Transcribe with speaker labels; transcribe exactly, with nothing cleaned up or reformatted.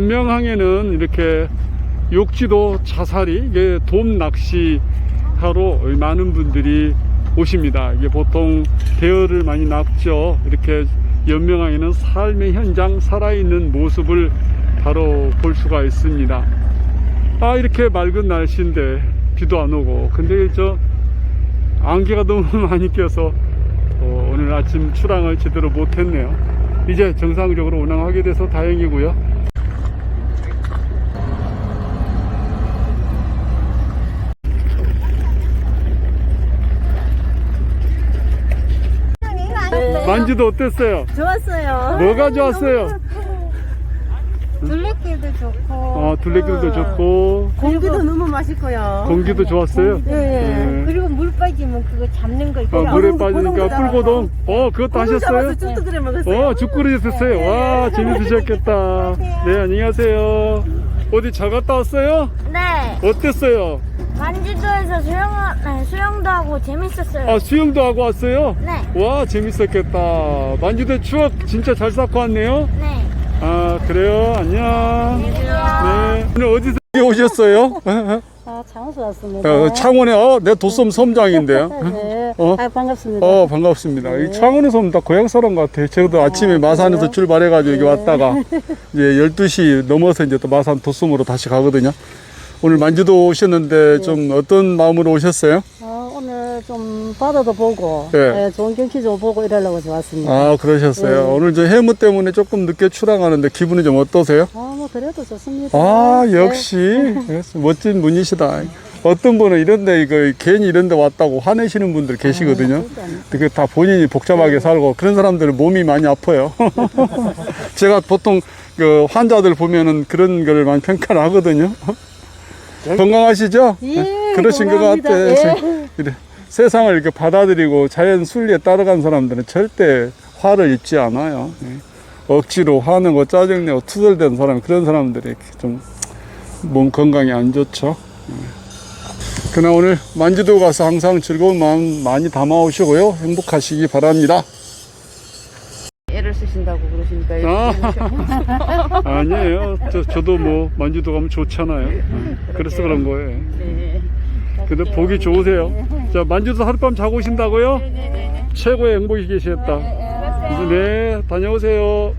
Speaker 1: 연명항에는 이렇게 욕지도 자사리, 이게 돔 낚시 하러 많은 분들이 오십니다. 이게 보통 대어를 많이 낚죠. 이렇게 연명항에는 삶의 현장, 살아있는 모습을 바로 볼 수가 있습니다. 아, 이렇게 맑은 날씨인데 비도 안 오고, 근데 저 안개가 너무 많이 껴서 어, 오늘 아침 출항을 제대로 못했네요. 이제 정상적으로 운항하게 돼서 다행이고요. 만지도 어땠어요?
Speaker 2: 좋았어요.
Speaker 1: 뭐가 좋았어요?
Speaker 2: 둘레길도 좋고.
Speaker 1: 어, 둘레길도 좋고,
Speaker 2: 공기도 너무 맛있고요.
Speaker 1: 공기도 좋았어요?
Speaker 2: 네.
Speaker 1: 네.
Speaker 2: 그리고 물 빠지면 그거 잡는 거 있고.
Speaker 1: 어, 물에 빠지니까 뿔고동. 어, 그것도 하셨어요?
Speaker 2: 죽도 끓여 먹었어요.
Speaker 1: 어, 죽거리 드셨어요? 와, 재밌으셨겠다. 네, 안녕하세요. 어디 잘 갔다 왔어요?
Speaker 3: 네,
Speaker 1: 어땠어요?
Speaker 3: 만지도에서 수영, 네, 수영도 하고 재밌었어요.
Speaker 1: 아, 수영도 하고 왔어요?
Speaker 3: 네,
Speaker 1: 와, 재밌었겠다. 만주대 추억 진짜 잘 쌓고 왔네요?
Speaker 3: 네.
Speaker 1: 아, 그래요? 안녕.
Speaker 3: 안녕하세요.
Speaker 1: 네. 오늘 어디서 오셨어요?
Speaker 2: 아, 장수 왔습니다.
Speaker 1: 어, 창원에, 어, 내 도섬 섬장인데요.
Speaker 2: 네.
Speaker 1: 어?
Speaker 2: 아, 반갑습니다.
Speaker 1: 어, 반갑습니다. 이 창원에서 오면 다 고향 사람 같아요. 저도 아침에 마산에서
Speaker 2: 그래요?
Speaker 1: 출발해가지고 여기 왔다가 이제 열두 시 넘어서 이제 또 마산 도섬으로 다시 가거든요. 오늘 만주도 오셨는데 좀 어떤 마음으로 오셨어요?
Speaker 2: 아, 오늘 좀 바다도 보고,
Speaker 1: 네.
Speaker 2: 네, 좋은 경치 좀 보고 이러려고 좋았습니다.
Speaker 1: 아, 그러셨어요.
Speaker 2: 네.
Speaker 1: 오늘 저 해무 때문에 조금 늦게 출항하는데 기분이 좀 어떠세요?
Speaker 2: 아, 뭐, 그래도 좋습니다.
Speaker 1: 아,
Speaker 2: 네.
Speaker 1: 역시 멋진 분이시다. 어떤 분은 이런데 이거 괜히 이런데 왔다고 화내시는 분들 계시거든요. 그게 다 본인이 복잡하게 살고 그런 사람들은 몸이 많이 아파요. 제가 보통 그 환자들 보면은 그런 걸 많이 평가를 하거든요. 건강하시죠?
Speaker 2: 예,
Speaker 1: 그러신 것
Speaker 2: 건강합니다.
Speaker 1: 같아.
Speaker 2: 예.
Speaker 1: 이래 세상을 이렇게 받아들이고 자연 순리에 따라간 사람들은 절대 화를 입지 않아요. 예. 억지로 화내고 짜증내고 투덜대는 사람, 그런 사람들이 좀 몸 건강이 안 좋죠. 예. 그러나 오늘 만주도 가서 항상 즐거운 마음 많이 담아오시고요. 행복하시기 바랍니다.
Speaker 2: 애를 쓰신다고 그러시니까.
Speaker 1: 아, 아니에요. 저, 저도 뭐 만주도 가면 좋잖아요. 그래서 그런 거예요.
Speaker 2: 네.
Speaker 1: 근데 보기 좋으세요. 자, 만주도 하룻밤 자고 오신다고요? 최고의 행복이 계시겠다. 네, 다녀오세요.